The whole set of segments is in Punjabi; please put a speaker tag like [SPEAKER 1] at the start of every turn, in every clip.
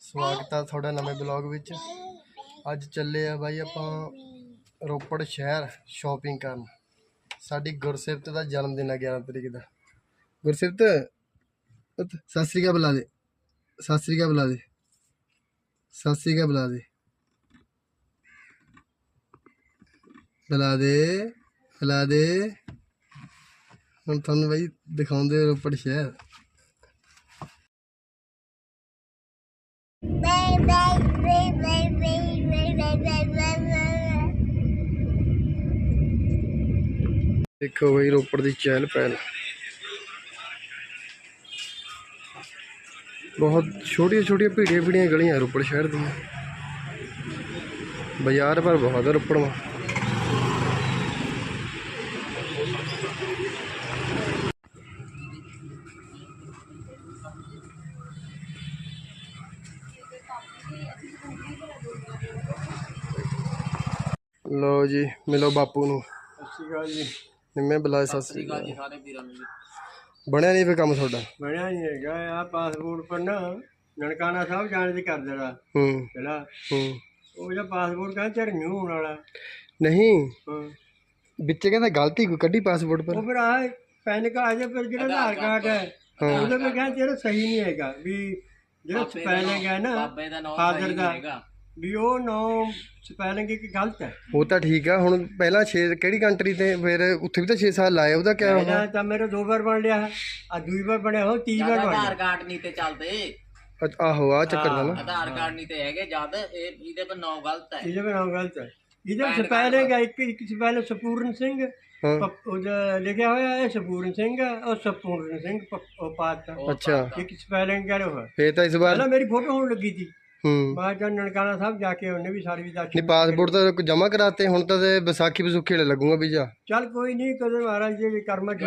[SPEAKER 1] ਸਵਾਗਤ ਆ ਤੁਹਾਡਾ ਨਵੇਂ ਬਲੌਗ ਵਿੱਚ। ਅੱਜ ਚੱਲੇ ਆ ਬਾਈ ਆਪਾਂ ਰੋਪੜ ਸ਼ਹਿਰ ਸ਼ਾਪਿੰਗ ਕਰਨ। ਸਾਡੀ ਗੁਰਸਿਫਤ ਦਾ ਜਨਮ ਦਿਨ ਆ 11 ਤਰੀਕ ਦਾ। ਗੁਰਸਿਫਤ ਸਤਿ ਸ੍ਰੀ ਅਕਾਲ ਬੁਲਾ ਦੇ, ਸਤਿ ਸ੍ਰੀ ਅਕਾਲ ਬੁਲਾ ਦੇ, ਸਤਿ ਸ੍ਰੀ ਅਕਾਲ ਬੁਲਾ ਦੇ, ਬੁਲਾ ਦੇ, ਬੁਲਾ ਦੇ। ਹੁਣ ਤੁਹਾਨੂੰ ਬਾਈ ਦਿਖਾਉਂਦੇ ਰੋਪੜ ਸ਼ਹਿਰ। देखो भाई रोपड़ की चहल पहल, बहुत छोटी छोटी भीड़िया भीड़िया गलियां रोपड़ शहर दी। बाजार पर बहुत है रोपड़ में। लो जी मिलो बापू नू। जी निम्मे बुलाए सत श्री अकाल। बनया नहीं फिर काम थोड़ा?
[SPEAKER 2] बनया नहीं है आ पासपोर्ट पर ना ननकाना साहब जाने की कर देना चला वो जो पासपोर्ट का तेरे न्यू होने वाला
[SPEAKER 1] नहीं बिच्चे कहता गलती कोई कड्डी पासपोर्ट पर।
[SPEAKER 2] वो फिर आए पैन कार्ड है फिर जो आधार कार्ड है ਉਹਦੇ पे कहते तेरा सही नहीं हैगा भी ਜਿਹੜਾ ਸਪੈਲਿੰਗ ਹੈ ਨਾ ਫਾਦਰ ਦਾ ਵੀ ਉਹ ਨੋ ਸਪੈਲਿੰਗ ਇੱਕ ਗਲਤ ਹੈ।
[SPEAKER 1] ਉਹ ਤਾਂ ਠੀਕ ਆ। ਹੁਣ ਪਹਿਲਾਂ 6 ਕਿਹੜੀ ਕੰਟਰੀ ਤੇ ਫਿਰ ਉੱਥੇ ਵੀ ਤਾਂ 6 ਸਾਲ ਲਾਏ। ਉਹਦਾ ਕਿਆ ਹੋਣਾ?
[SPEAKER 2] ਤਾਂ ਮੇਰੇ 2 ਵਾਰ ਬਣ ਲਿਆ ਆ 2 ਵਾਰ ਬਣਿਆ ਹੋ 3 ਵਾਰ ਬਣ
[SPEAKER 3] ਆਧਾਰ ਕਾਰਡ ਨਹੀਂ ਤੇ ਚੱਲਦੇ।
[SPEAKER 1] ਆਹੋ ਆ ਚੱਕਰ ਦਾ ਨਾ
[SPEAKER 3] ਆਧਾਰ ਕਾਰਡ ਨਹੀਂ ਤੇ ਹੈਗੇ ਜਦ ਇਹ ਇਹਦੇ ਪਰ ਨਾਮ ਗਲਤ ਹੈ।
[SPEAKER 2] ਇਹਦੇ ਪਰ ਨਾਮ ਗਲਤ ਹੈ। ਇਹਦੇ ਸਪੈਲਿੰਗ ਹੈ ਇੱਕ ਸਪੈਲਿੰਗ ਸਪੂਰਨ ਸਿੰਘ लिखा हुआ है सपूर्ण सिंह और सपूर्ण सिंह पात।
[SPEAKER 1] अच्छा
[SPEAKER 2] एक स्पेलिंग क्या हुआ
[SPEAKER 1] फिर तो इस बार
[SPEAKER 2] मेरी फोटो होने लगी थी। मैं जब ननकाना साहब जाके उन्हें भी सारी
[SPEAKER 1] नहीं पासपोर्ट तो जमा कराते हुण तो बैसाखी बसूखी लगूंगा वीजा।
[SPEAKER 2] चल कोई नहीं कदर महाराज जी कर्म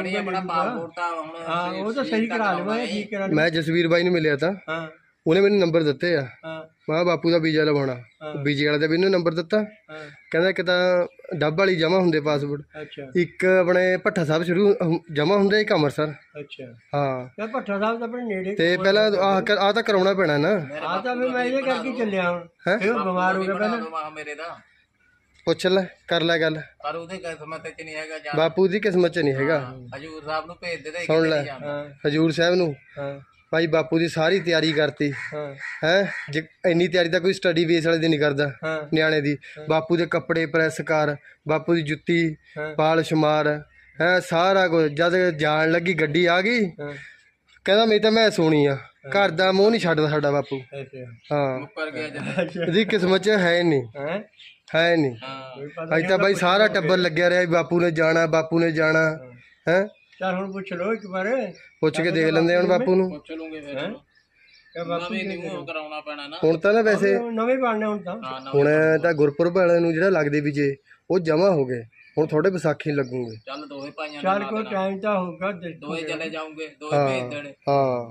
[SPEAKER 2] वो तो सही करा लूंगा ठीक करा।
[SPEAKER 1] मैं जसवीर भाई ने मिलिया था ਉਹਨੇ ਮੈਨੂੰ ਨੰਬਰ ਦਿੱਤੇ ਆ। ਮੈਂ ਬਾਪੂ ਦਾ ਵੀਜ਼ਾ ਲਵਾਉਣਾ। ਵੀਜ਼ੇ ਵਾਲੇ ਦਾ ਵੀ ਇਹਨੂੰ ਨੰਬਰ ਦਿੱਤਾ। ਕਹਿੰਦਾ ਇੱਕ ਤਾਂ ਡੱਬ ਵਾਲੀ ਜਮਾ ਹੁੰਦੇ ਪਾਸਪੋਰਟ, ਇੱਕ ਆਪਣੇ ਭੱਠਾ ਸਾਹਿਬ ਸ਼ੁਰੂ ਜਮਾ ਹੁੰਦੇ, ਇੱਕ ਅੰਮ੍ਰਿਤਸਰ।
[SPEAKER 2] ਅੱਛਾ
[SPEAKER 1] ਹਾਂ
[SPEAKER 2] ਭੱਠਾ ਸਾਹਿਬ ਤਾਂ ਆਪਣੇ ਨੇੜੇ
[SPEAKER 1] ਤੇ ਪਹਿਲਾਂ ਆਹ ਤਾਂ ਕਰਾਉਣਾ ਪੈਣਾ ਨਾ।
[SPEAKER 2] ਆਹ ਤਾਂ ਮੈਂ ਇਹ ਕਰਕੇ ਚੱਲਿਆ ਹੁਣ ਫਿਰ ਬਿਮਾਰ ਹੋ ਗਿਆ ਪਹਿਲਾਂ
[SPEAKER 3] ਮੇਰੇ ਦਾ।
[SPEAKER 1] ਪੁੱਛ ਲੈ ਕਰ ਲੈ ਗੱਲ।
[SPEAKER 3] ਪਰ ਉਹਦੇ ਕਿਸਮਤ ਚ ਨਹੀਂ ਹੈਗਾ।
[SPEAKER 1] ਬਾਪੂ ਦੀ ਕਿਸਮਤ ਚ ਨਹੀਂ ਹੈਗਾ।
[SPEAKER 3] ਹਜੂਰ ਸਾਹਿਬ ਨੂੰ ਭੇਜ ਦੇ।
[SPEAKER 1] ਸੁਣ ਲੈ ਹਜੂਰ ਸਾਹਿਬ ਨੂੰ ਭਾਈ ਬਾਪੂ ਦੀ ਸਾਰੀ ਤਿਆਰੀ ਕਰਤੀ ਹੈ। ਜੇ ਇੰਨੀ ਤਿਆਰੀ ਤਾਂ ਕੋਈ ਸਟੱਡੀ ਬੇਸ ਵਾਲੇ ਦੀ ਨਹੀਂ ਕਰਦਾ ਨਿਆਣੇ ਦੀ। ਬਾਪੂ ਦੇ ਕੱਪੜੇ ਪ੍ਰੈਸ ਕਰ, ਬਾਪੂ ਦੀ ਜੁੱਤੀ ਪਾਲਿਸ਼ ਮਾਰ ਹੈ, ਸਾਰਾ ਕੁਝ। ਜਦ ਜਾਣ ਲੱਗੀ ਗੱਡੀ ਆ ਗਈ ਕਹਿੰਦਾ ਮੇਰੀ ਤਾਂ ਮੈਂ ਸੋਣੀ ਆ, ਘਰ ਦਾ ਮੂੰਹ ਨਹੀਂ ਛੱਡਦਾ ਸਾਡਾ ਬਾਪੂ। ਹਾਂ ਇਹਦੀ ਕਿਸਮਤ ਚ ਹੈ ਨਹੀਂ, ਹੈ ਨਹੀਂ। ਅੱਜ ਤਾਂ ਬਾਈ ਸਾਰਾ ਟੱਬਰ ਲੱਗਿਆ ਰਿਹਾ ਬਾਪੂ ਨੇ ਜਾਣਾ, ਬਾਪੂ ਨੇ ਜਾਣਾ ਹੈ।
[SPEAKER 2] ਚੱਲ ਹੁਣ ਪੁੱਛ ਲਓ ਇੱਕ ਵਾਰ,
[SPEAKER 1] ਪੁੱਛ ਕੇ ਦੇਖ ਲੈਂਦੇ ਹੁਣ ਬਾਪੂ ਨੂੰ।
[SPEAKER 3] ਪੁੱਛ ਲੂੰਗੇ ਫਿਰ ਨਵੇਂ ਨਿਊ ਕਰਾਉਣਾ ਪੈਣਾ ਨਾ।
[SPEAKER 1] ਹੁਣ ਤਾਂ ਨਾ ਵੈਸੇ
[SPEAKER 2] ਨਵੇਂ ਬਣਨੇ ਹੁਣ ਤਾਂ।
[SPEAKER 1] ਹੁਣ ਤਾਂ ਗੁਰਪੁਰਬ ਵਾਲਿਆਂ ਨੂੰ ਜਿਹੜਾ ਲੱਗਦੇ ਵੀ ਜੇ ਉਹ ਜਮਾ ਹੋ ਗਏ, ਹੁਣ ਥੋੜੇ ਵਿਸਾਖੀ ਲੱਗੂਗੇ।
[SPEAKER 3] ਚੱਲ ਦੋਵੇਂ ਭਾਈਆਂ
[SPEAKER 2] ਚੱਲ ਕੋਈ ਟਾਈਮ ਤਾਂ ਹੋਊਗਾ
[SPEAKER 3] ਦੋਵੇਂ ਚਲੇ ਜਾਉਂਗੇ, ਦੋਵੇਂ ਭੇਜ ਦੇਣੇ।
[SPEAKER 1] ਹਾਂ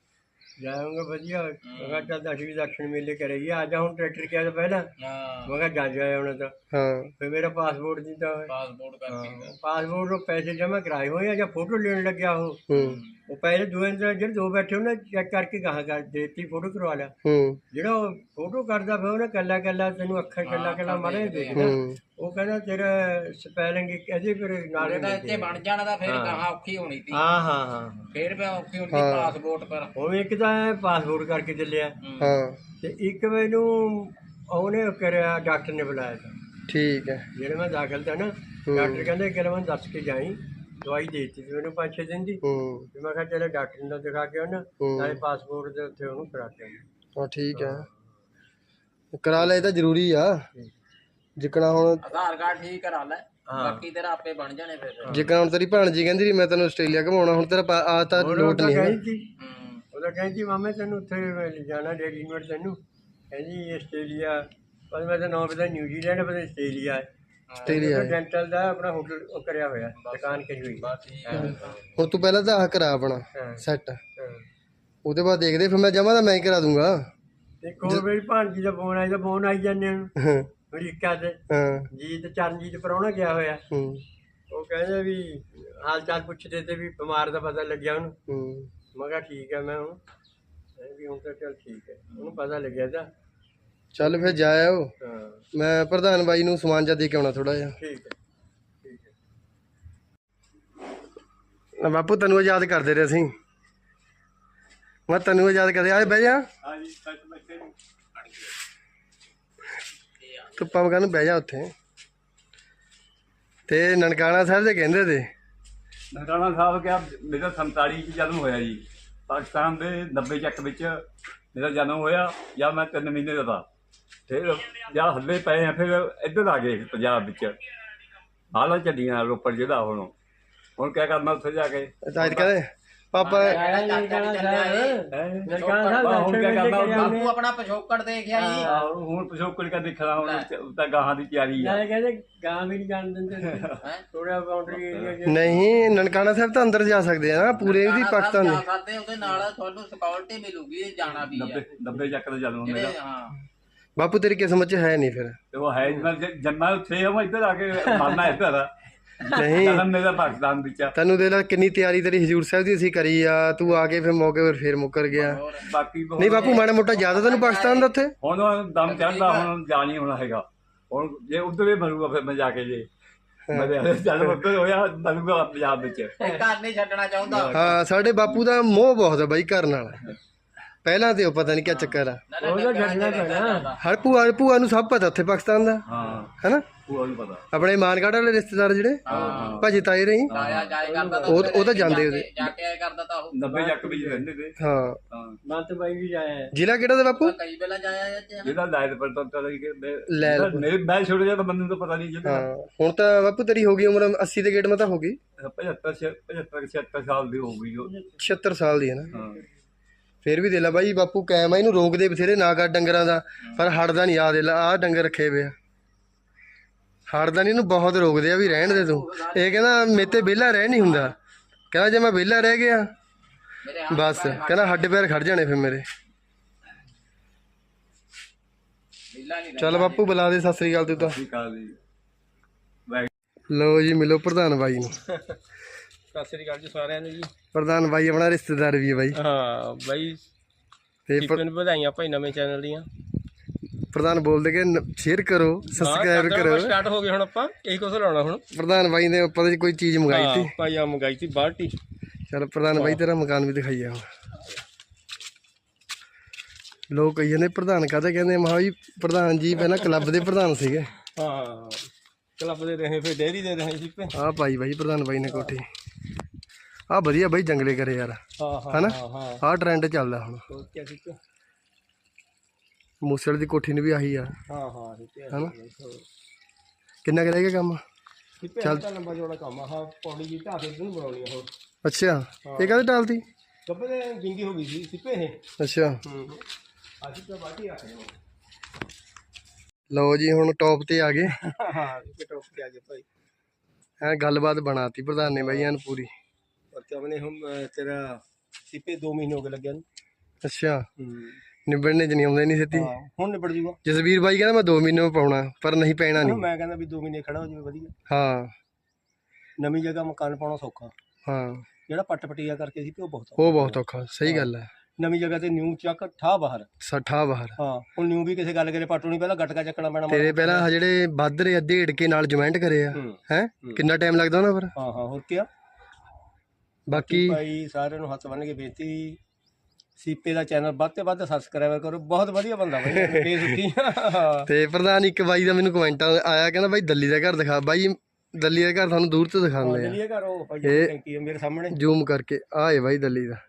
[SPEAKER 2] ਜਾਊਂਗਾ ਵਧੀਆ। ਮੈਂ ਕਿਹਾ ਚੱਲ ਅਸੀਂ ਦਰਸ਼ਨ ਮੇਲੇ ਕਰੇਗੀ। ਆ ਜਾ ਹੁਣ ਟਰੈਕਟਰ ਕਿਹਾ ਤਾਂ ਪਹਿਲਾਂ ਮੈਂ ਕਿਹਾ ਜਾ ਜਾਇਆ ਹੁਣ ਤਾਂ।
[SPEAKER 1] ਹਾਂ
[SPEAKER 2] ਫਿਰ ਮੇਰਾ ਪਾਸਪੋਰਟ ਦੀ ਤਾਂ ਪਾਸਪੋਰਟ ਨੂੰ ਪੈਸੇ ਜਮ੍ਹਾਂ ਕਰਾਏ ਹੋਏ ਆ ਜਾਂ ਫੋਟੋ ਲੈਣ ਲੱਗਿਆ ਉਹ ਪਹਿਲੇ ਦੋ ਜਿਹੜੇ ਦੋ ਬੈਠੇ ਉਹਨੇ ਚੈੱਕ ਕਰਕੇ ਗਾਹਾਂ ਕਰ ਦੇਤੀ, ਫੋਟੋ ਕਰਵਾ ਲਿਆ। ਜਿਹੜਾ ਉਹ ਫੋਟੋ ਕਰਦਾ ਫਿਰ ਉਹਨੇ ਕੱਲਾ ਕੱਲਾ ਤੈਨੂੰ ਅੱਖਰ ਕੱਲਾ ਕੱਲਾ ਮਾਰੇ ਦੇਖਦਾ। ਉਹ ਕਹਿੰਦਾ ਤੇਰਾ ਸਪੈਲਿੰਗ ਇਹਦੇ ਫਿਰ ਨਾਲੇ
[SPEAKER 3] ਇੱਥੇ ਬਣ ਜਾਣਾ ਤਾਂ ਫਿਰ ਗਾਹਾਂ ਔਖੀ ਹੋਣੀ ਸੀ।
[SPEAKER 2] ਹਾਂ ਹਾਂ ਹਾਂ
[SPEAKER 3] ਫਿਰ ਮੈਂ ਔਖੀ ਹੋਣੀ ਪਾਸਪੋਰਟ ਪਰ।
[SPEAKER 2] ਉਹ ਇੱਕ ਤਾਂ ਪਾਸਪੋਰਟ ਕਰਕੇ ਚੱਲਿਆ ਤੇ ਇੱਕ ਮੈਨੂੰ ਉਹਨੇ ਕਰਿਆ ਡਾਕਟਰ ਨੇ ਬੁਲਾਇਆ ਤਾਂ। ਠੀਕ ਹੈ ਜਿਹੜੇ ਮੈਂ ਦਾਖਲ ਤਾਂ ਨਾ ਡਾਕਟਰ ਕਹਿੰਦੇ ਕਿ ਮੈਨੂੰ ਦੱਸ ਕੇ ਜਾਈ, ਦਵਾਈ ਦੇ ਦਿੱਤੀ ਮੈਨੂੰ 5-6 ਦਿਨ ਦੀ। ਮੈਂ ਕਿਹਾ ਚਲੋ ਡਾਕਟਰ ਨੂੰ ਦਿਖਾ ਕੇ ਆਉਣਾ ਨਾਲੇ ਪਾਸਪੋਰਟ ਦੇ ਉੱਤੇ ਉਹਨੂੰ ਕਰਾ ਕੇ ਆਉਣਾ।
[SPEAKER 1] ਹਾਂ ਠੀਕ ਹੈ ਕਰਾ ਲੈ, ਇਹ ਤਾਂ ਜ਼ਰੂਰੀ ਆ। ਜਿਕਣਾ ਹੁਣ
[SPEAKER 3] ਆਧਾਰ ਕਾਰਡ ਠੀਕ ਕਰਾ ਲੈ, ਬਾਕੀ ਤੇਰਾ ਆਪੇ ਬਣ ਜਾਣੇ ਫਿਰ।
[SPEAKER 1] ਜਿਕਣਾ ਹੁਣ ਤੇਰੀ ਭੈਣ ਜੀ ਕਹਿੰਦੀ ਮੈਂ ਤੈਨੂੰ ਆਸਟ੍ਰੇਲੀਆ ਘਮਾਉਣਾ, ਹੁਣ ਤੇਰਾ ਆ ਤਾਂ ਲੋਟ ਨਹੀਂ ਹੈ।
[SPEAKER 2] ਉਹਦਾ ਕਹਿੰਦੀ ਮਾਮੇ ਤੈਨੂੰ ਉੱਥੇ ਲੈ ਜਾਣਾ ਰੈਡੀਮੇਡ ਤੈਨੂੰ। ਕਹਿੰਦੀ ਆਸਟ੍ਰੇਲੀਆ ਪਰ ਮੈਂ ਤਾਂ ਨਾਮ ਪਤਾ ਨਿਊਜ਼ੀਲੈਂਡ ਪਤਾ ਆਸਟ੍ਰੇਲੀਆ ਹੈ। ਆਸਟ੍ਰੇਲੀਆ ਡੈਂਟਲ ਦਾ ਆਪਣਾ ਹੋਟਲ ਉਹ ਕਰਿਆ ਹੋਇਆ, ਦੁਕਾਨ ਕਰੀ ਹੋਈ।
[SPEAKER 1] ਹੁਣ ਤੂੰ ਪਹਿਲਾਂ ਤਾਂ ਆਹ ਕਰਾ ਆਪਣਾ ਸੈੱਟ, ਉਹਦੇ ਬਾਅਦ ਦੇਖਦੇ ਫਿਰ ਮੈਂ ਜਮਾ ਤਾਂ ਮੈਂ ਹੀ ਕਰਾ ਦੂੰਗਾ।
[SPEAKER 2] ਇੱਕ ਹੋਰ ਮੇਰੀ ਭਾਣਜੀ ਦਾ ਫੋਨ ਆਇਆ, ਫੋਨ ਆਈ ਜਾਂਦੇ ਨੂੰ ਅਮਰੀਕਾ ਤੇ ਜੀਤ ਚਰਨਜੀਤ ਪ੍ਰਾਹੁਣਾ ਗਿਆ ਹੋਇਆ। ਉਹ ਕਹਿੰਦੇ ਵੀ ਹਾਲ ਚਾਲ ਪੁੱਛਦੇ ਤੇ ਵੀ ਬਿਮਾਰ ਦਾ ਪਤਾ ਲੱਗਿਆ ਉਹਨੂੰ। ਮੈਂ ਕਿਹਾ ਠੀਕ ਹੈ। ਮੈਂ ਹੁਣ ਬਾਕੀ ਹੁਣ ਤਾਂ ਚੱਲ ਠੀਕ ਹੈ, ਉਹਨੂੰ ਪਤਾ ਲੱਗਿਆ ਤਾਂ।
[SPEAKER 1] ਚੱਲ ਫਿਰ ਜਾ ਆਓ।
[SPEAKER 2] ਹਾਂ
[SPEAKER 1] ਮੈਂ ਪ੍ਰਧਾਨ ਬਾਈ ਨੂੰ ਸਮਾਨ ਜਾ ਦੇ ਕੇ ਆਉਣਾ ਥੋੜਾ ਜਿਹਾ।
[SPEAKER 2] ਠੀਕ ਹੈ ਠੀਕ ਹੈ।
[SPEAKER 1] ਬਾਪੂ ਤੈਨੂੰ ਯਾਦ ਕਰਦੇ ਰਹੇ ਅਸੀਂ। ਮੈਂ ਤੈਨੂੰ ਯਾਦ ਕਰਦੇ ਆਏ ਬਹਿ ਜਾ।
[SPEAKER 2] ਹਾਂਜੀ ਸੱਚ ਬੱਚੇ ਨੂੰ
[SPEAKER 1] ਧੁੱਪਾਂ ਮਗਨ ਬਹਿ ਜਾ ਉੱਥੇ। ਤੇ ਨਨਕਾਣਾ ਸਾਹਿਬ ਦੇ ਕਹਿੰਦੇ ਤੇ
[SPEAKER 4] ਨਨਕਾਣਾ ਸਾਹਿਬ ਕਿਹਾ ਮੇਰਾ 47 ਚ ਜਨਮ ਹੋਇਆ ਜੀ। ਪਾਕਿਸਤਾਨ ਦੇ 90 ਚੱਕ ਵਿੱਚ ਮੇਰਾ ਜਨਮ ਹੋਇਆ, ਜਾਂ ਮੈਂ 3 ਮਹੀਨੇ ਦਾ ਤਾ। ਫਿਰ ਜਾਂ ਹੱਲੇ ਪਏ ਆ, ਫਿਰ ਇੱਧਰ ਆ ਗਏ ਪੰਜਾਬ ਵਿੱਚ। ਹਾਲਾਂ ਚੱਲੀਆਂ ਰੋਪੜ ਜਿਹੜਾ ਹੁਣ ਕਿਆ ਕਰਨਾ ਉੱਥੇ ਜਾ ਕੇ।
[SPEAKER 1] ਅੱਜ ਕਹਿੰਦੇ ਪਾਪਾ
[SPEAKER 2] ਨਨਕਾਣਾ ਸਾਹਿਬ
[SPEAKER 4] ਹੁਣ ਕਿਆ ਕਰਨਾ
[SPEAKER 3] ਬਾਪੂ ਆਪਣਾ ਪਿਛੋਕੜ ਦੇਖਿਆ ਜੀ।
[SPEAKER 4] ਹੁਣ ਪਿਛੋਕੜ ਕਾ ਦੇਖਣਾ, ਹੁਣ ਤਾਂ ਗਾਹਾਂ ਦੀ ਤਿਆਰੀ ਆ।
[SPEAKER 2] ਨਾਲੇ ਕਹਿੰਦੇ ਗਾਂ ਵੀ ਨਹੀਂ ਜਾਣ ਦਿੰਦੇ ਥੋੜਾ ਬਾਉਂਡਰੀ ਏਰੀਆ ਚ।
[SPEAKER 1] ਨਹੀਂ ਨਨਕਾਣਾ ਸਾਹਿਬ ਤਾਂ ਅੰਦਰ ਜਾ ਸਕਦੇ ਆ ਨਾ ਪੂਰੇ ਵੀ ਪਾਕਿਸਤਾਨ ਦੇ।
[SPEAKER 3] ਸਾਡੇ ਉਹਦੇ ਨਾਲ ਤੁਹਾਨੂੰ ਸਿਕਿਉਰਿਟੀ ਮਿਲੂਗੀ, ਜਾਣਾ ਵੀ ਹੈ।
[SPEAKER 4] 90 ਚੱਕ ਦਾ ਜਨਮ ਮੇਰਾ।
[SPEAKER 3] ਹਾਂ
[SPEAKER 1] ਬਾਪੂ ਤੇਰੀ ਕਿਸਮਤ ਚ ਹੈ ਨਹੀਂ ਫਿਰ।
[SPEAKER 4] ਤੇ ਉਹ ਹੈ ਜੰਮਾ ਉੱਥੇ ਆ, ਮੈਂ ਇੱਧਰ ਆ ਕੇ ਮਾਰਨਾ ਇੱਧਰ ਆ।
[SPEAKER 1] ਨਹੀਂ
[SPEAKER 4] ਜਨਮ ਮੇਰਾ ਪਾਕਿਸਤਾਨ ਵਿੱਚ ਆ।
[SPEAKER 1] ਤੈਨੂੰ ਦੇ ਲਾ ਕਿੰਨੀ ਤਿਆਰੀ ਤੇਰੀ ਹਜ਼ੂਰ ਸਾਹਿਬ ਦੀ ਅਸੀਂ ਕਰੀ ਆ, ਤੂੰ ਆ ਕੇ ਫਿਰ ਮੌਕੇ ਪਰ ਫੇਰ ਮੁੱਕਰ ਗਿਆ।
[SPEAKER 4] ਬਾਕੀ
[SPEAKER 1] ਨਹੀਂ ਬਾਪੂ ਮਾੜਾ ਮੋਟਾ ਜ਼ਿਆਦਾ ਤੈਨੂੰ ਪਾਕਿਸਤਾਨ ਦਾ ਉੱਥੇ।
[SPEAKER 4] ਹੁਣ ਦਮ ਚੜਦਾ, ਹੁਣ ਜਾ ਨਹੀਂ ਹੋਣਾ ਹੈਗਾ। ਹੁਣ ਜੇ ਉੱਧਰ ਹੀ ਮਰੂਗਾ ਫਿਰ ਮੈਂ ਜਾ ਕੇ, ਜੇ ਮੈਂ ਜਦ ਉੱਧਰ ਹੋਇਆ ਮਰੂਗਾ ਪੰਜਾਬ ਵਿੱਚ।
[SPEAKER 3] ਘਰ ਨਹੀਂ ਛੱਡਣਾ ਚਾਹੁੰਦਾ।
[SPEAKER 1] ਹਾਂ ਸਾਡੇ ਬਾਪੂ ਦਾ ਮੋਹ ਬਹੁਤ ਆ ਬਾਈ ਘਰ ਨਾਲ। ਪਹਿਲਾਂ ਤੇ ਉਹ ਪਤਾ ਨਹੀਂ ਕੀ ਚੱਕਰ ਆ।
[SPEAKER 2] ਉਹਦਾ ਛੱਡਣਾ ਪੈਣਾ।
[SPEAKER 1] ਹਰ ਭੂਆ ਨੂੰ ਸਭ ਪਤਾ ਉੱਥੇ ਪਾਕਿਸਤਾਨ ਦਾ,
[SPEAKER 4] ਹਾਂ
[SPEAKER 1] ਹੈਨਾ।
[SPEAKER 4] ਪੂਰਾ ਨਹੀਂ ਪਤਾ।
[SPEAKER 1] ਆਪਣੇ ਮਾਨਗੜ੍ਹ ਵਾਲੇ ਰਿਸ਼ਤੇਦਾਰ ਜਿਹੜੇ ਭਾਜੀ ਤਾਏ ਰਹੀ
[SPEAKER 3] ਆਇਆ ਜਾਏ ਕਰਦਾ ਤਾਂ
[SPEAKER 1] ਉਹ ਤਾਂ ਜਾਂਦੇ ਉਹਦੇ।
[SPEAKER 3] ਜਾ ਕੇ ਆਇਆ ਕਰਦਾ ਤਾਂ ਉਹ
[SPEAKER 4] 90 ਚੱਕ ਵਿੱਚ ਰਹਿੰਦੇ ਤੇ।
[SPEAKER 1] ਹਾਂ
[SPEAKER 4] ਹਾਂ
[SPEAKER 2] ਮਤ ਬਾਈ ਵੀ ਜਾਇਆ।
[SPEAKER 1] ਜ਼ਿਲ੍ਹਾ ਕਿਹੜਾ ਦਾ ਬਾਪੂ?
[SPEAKER 3] ਕਈ ਵੇਲਾ ਜਾਇਆ
[SPEAKER 4] ਜਿਹਦਾ ਲਾਇਦ ਪਰ ਤਾਂ
[SPEAKER 1] ਲੈ ਲਓ।
[SPEAKER 4] ਮੈਂ ਛੋੜ ਜਾ ਤਾਂ ਮੈਨੂੰ ਤਾਂ ਪਤਾ ਨਹੀਂ ਜਿਹਦਾ।
[SPEAKER 1] ਹਾਂ ਹੁਣ ਤਾਂ ਬਾਪੂ ਤੇਰੀ ਹੋ ਗਈ ਉਮਰ 80 ਦੇ ਗੇੜ ਮਾ ਤਾਂ ਹੋ ਗਈ।
[SPEAKER 4] 75 76 ਸਾਲ ਦੀ ਹੋ ਗਈ ਉਹ।
[SPEAKER 1] 76 ਸਾਲ ਦੀ ਹੈ ਨਾ।
[SPEAKER 4] ਹਾਂ
[SPEAKER 1] ਫੇਰ ਵੀ ਦੇ ਲਾ ਬਾਈ ਬਾਪੂ ਕਾਇਮ ਆ। ਇਹਨੂੰ ਰੋਕਦੇ ਬਥੇਰੇ ਨਾ ਕਰ ਡੰਗਰਾਂ ਦਾ, ਪਰ ਹਟਦਾ ਨਹੀਂ। ਆ ਦੇ ਲਾ ਆਹ ਡੰਗਰ ਰੱਖੇ ਵੇ ਆ, ਹਟਦਾ ਨਹੀਂ। ਇਹਨੂੰ ਬਹੁਤ ਰੋਕਦੇ ਆ ਵੀ ਰਹਿਣ ਦੇ ਤੂੰ। ਇਹ ਕਹਿੰਦਾ ਮੇਰੇ ਤੇ ਵਿਹਲਾ ਰਹਿ ਨਹੀਂ ਹੁੰਦਾ। ਕਹਿੰਦਾ ਜੇ ਮੈਂ ਵਿਹਲਾ ਰਹਿ ਗਿਆ ਬਸ, ਕਹਿੰਦਾ ਹੱਡ ਪੈਰ ਖੜ ਜਾਣੇ ਫਿਰ ਮੇਰੇ। ਚੱਲ ਬਾਪੂ ਬੁਲਾ ਦੇ। ਸਤਿ ਸ੍ਰੀ ਅਕਾਲ ਤੂੰ ਤਾਂ।
[SPEAKER 4] ਠੀਕ ਆ ਜੀ।
[SPEAKER 1] ਲਓ ਜੀ ਮਿਲੋ ਪ੍ਰਧਾਨ ਬਾਈ ਨੂੰ।
[SPEAKER 2] ਸਤਿ ਸ੍ਰੀ ਅਕਾਲ ਜੀ ਸਾਰਿਆਂ ਨੂੰ ਜੀ।
[SPEAKER 1] ਪ੍ਰਧਾਨ ਬਾਈ ਆਪਣਾ ਰਿਸ਼ਤੇਦਾਰ ਵੀ ਹੈ ਬਾਈ।
[SPEAKER 2] ਹਾਂ ਬਾਈ
[SPEAKER 1] ਤੇ
[SPEAKER 2] ਕੀਪਨ ਵਧਾਈਆਂ ਭਾਈ ਨਵੇਂ ਚੈਨਲ ਦੀਆਂ।
[SPEAKER 1] ਪ੍ਰਧਾਨ ਬੋਲਦੇ ਕਿ ਸ਼ੇਅਰ ਕਰੋ, ਸਬਸਕ੍ਰਾਈਬ ਕਰੋ।
[SPEAKER 2] ਸਟਾਰਟ ਹੋ ਗਏ ਹੁਣ ਆਪਾਂ ਇਹੀ ਕੁਝ ਲਾਉਣਾ ਹੁਣ।
[SPEAKER 1] ਪ੍ਰਧਾਨ ਬਾਈ ਨੇ ਉੱਪਰ ਦੀ ਕੋਈ ਚੀਜ਼ ਮੰਗਾਈ ਸੀ।
[SPEAKER 2] ਭਾਈ ਆ ਮੰਗਾਈ ਸੀ ਬਾਲਟੀ।
[SPEAKER 1] ਚਲ ਪ੍ਰਧਾਨ ਬਾਈ ਤੇਰਾ ਮਕਾਨ ਵੀ ਦਿਖਾਈਆ ਹੁਣ। ਲੋਕ ਕਹੀ ਜਾਂਦੇ ਪ੍ਰਧਾਨ ਕਾਹਦੇ ਕਹਿੰਦੇ। ਮਹਾ ਜੀ ਪ੍ਰਧਾਨ ਜੀ ਪਹਿਲਾਂ ਕਲੱਬ ਦੇ ਪ੍ਰਧਾਨ ਸੀਗੇ।
[SPEAKER 2] ਹਾਂ ਕਲੱਬ ਦੇ ਰਹੇ ਫਿਰ ਡੇਅਰੀ ਦੇ ਰਹੇ ਸੀ।
[SPEAKER 1] ਆਹ ਪਾਈ ਬਾਈ ਪ੍ਰਧਾਨ ਬਾਈ ਨੇ ਕੋਠੀ। ਆਹ ਵਧੀਆ ਬਾਈ ਜੰਗਲੇ ਕਰੇ ਯਾਰ,
[SPEAKER 2] ਹਾਂ
[SPEAKER 1] ਹਨਾ।
[SPEAKER 2] ਹਾਂ
[SPEAKER 1] ਆਹ ਟ੍ਰੈਂਡ ਚੱਲਦਾ ਹੁਣ।
[SPEAKER 2] ਹੋਰ ਕੀ ਠੀਕ ਹੈ।
[SPEAKER 1] ਮੂਸੇਵਾਲੇ ਦੀ ਕੋਠੀ ਨੂੰ ਵੀ ਆਹੀ ਆ,
[SPEAKER 2] ਹਾਂ ਠੀਕ ਹੈ।
[SPEAKER 1] ਹਨਾ। ਕਿੰਨਾ ਕੁ ਰਹਿ ਗਿਆ ਕੰਮ?
[SPEAKER 2] ਚੱਲ ਲੰਬਾ ਜੋੜਾ ਕੰਮ ਆ। ਹਾਂ ਪੌੜੀ ਜੀ ਢਾਹ ਕੇ ਨੂੰ ਬਣਾਉਣੀ ਆ ਹੁਣ।
[SPEAKER 1] ਅੱਛਾ ਇਹ ਕਾਹਦੇ ਟਾਲਤੀ?
[SPEAKER 2] ਗੱਬੇ ਦੇ ਵਿੰਗੀ ਹੋ ਗਈ ਸੀ ਸਿੱਪੇ ਇਹ।
[SPEAKER 1] ਅੱਛਾ
[SPEAKER 2] ਅੱਜ ਤਾਂ ਬਾਟੀ ਰੱਖ ਦੇ।
[SPEAKER 1] ਲਓ ਜੀ ਹੁਣ ਟੌਪ ਤੇ ਆ ਗਏ।
[SPEAKER 2] ਹਾਂ ਟੋਪ ਤੇ ਆ ਗਏ ਭਾਈ।
[SPEAKER 1] ਐ ਗੱਲਬਾਤ ਬਣਾਤੀ ਪ੍ਰਧਾਨ ਨੇ ਬਾਈ ਐਨ ਪੂਰੀ।
[SPEAKER 2] और क्या मैंने हम तेरा सिपे 2 महीने हो गए लग गया।
[SPEAKER 1] ਅੱਛਾ ਨਿਬੜਨੇ ਚ ਨਹੀਂ ਆਉਂਦੇ ਨਹੀਂ ਛੇਤੀ।
[SPEAKER 2] हाँ हुण निबड़ जूगा।
[SPEAKER 1] ਜਸਵੀਰ ਬਾਈ ਕਹਿੰਦਾ ਮੈਂ 2 ਮਹੀਨੇ ਪਾਉਣਾ, ਪਰ ਨਹੀਂ ਪੈਣਾ ਨਹੀਂ।
[SPEAKER 2] मैं कहना भी 2 महीने खड़ा हो जाए वधिया।
[SPEAKER 1] ਹਾਂ
[SPEAKER 2] नवी जगह मकान पाना सौखा।
[SPEAKER 1] ਹਾਂ
[SPEAKER 2] ਜਿਹੜਾ ਪੱਟ ਪਟੀਆ ਕਰਕੇ ਸੀ ਤੇ ਉਹ ਬਹੁਤ
[SPEAKER 1] ਉਹ ਬਹੁਤ ਔਖਾ। ਸਹੀ ਗੱਲ ਹੈ।
[SPEAKER 2] ਨਵੀਂ ਜਗ੍ਹਾ ਤੇ ਨਿਊ ਚੱਕ ਠਾ ਬਾਹਰ।
[SPEAKER 1] ਸੱਠਾ ਬਾਹਰ।
[SPEAKER 2] ਹਾਂ ਹੁਣ ਨਿਊ ਵੀ ਕਿਸੇ ਗੱਲ ਕਰੇ ਪੱਟੂ ਨਹੀਂ ਪਹਿਲਾਂ ਗਟਕਾ ਚੱਕਣਾ ਪੈਣਾ।
[SPEAKER 1] ਤੇਰੇ ਪਹਿਲਾਂ ਆਹ ਜਿਹੜੇ ਵੱਧ ਰਹੇ ਅੱਧੇ ਢੇੜ ਕੇ ਨਾਲ ਜੁਆਇੰਟ ਕਰੇ ਆ ਹੈ, ਕਿੰਨਾ ਟਾਈਮ ਲੱਗਦਾ ਉਹਨਾਂ ਪਰ?
[SPEAKER 2] ਹਾਂ ਹਾਂ ਹੋਰ ਕੀ।
[SPEAKER 1] ਬਾਕੀ
[SPEAKER 2] ਭਾਈ ਸਾਰਿਆਂ ਨੂੰ ਹੱਥ ਬੰਨ੍ਹ ਕੇ ਬੇਨਤੀ, ਸੀਪੇ ਦਾ ਚੈਨਲ ਵੱਧ ਤੇ ਵੱਧ ਸਬਸਕ੍ਰਾਈਬ ਕਰੋ। ਬਹੁਤ ਵਧੀਆ ਬੰਦਾ ਬਾਈ, ਬੇਸੁੱਖੀ।
[SPEAKER 1] ਤੇ ਪ੍ਰਧਾਨ ਇੱਕ ਬਾਈ ਦਾ ਮੈਨੂੰ ਕਮੈਂਟ ਆਇਆ, ਕਹਿੰਦਾ ਬਾਈ ਦੱਲੀ ਦਾ ਘਰ ਦਿਖਾ। ਬਾਈ ਦੱਲੀ ਦਾ ਘਰ ਤੁਹਾਨੂੰ ਦੂਰ ਤੋਂ ਦਿਖਾਉਂਦੇ ਆ,
[SPEAKER 2] ਇਹ ਘਰ ਉਹ ਭਾਈ ਟੈਂਕੀ ਮੇਰੇ ਸਾਹਮਣੇ
[SPEAKER 1] ਜ਼ੂਮ ਕਰਕੇ। ਆਹ ਏ ਬਾਈ ਦੱਲੀ ਦਾ।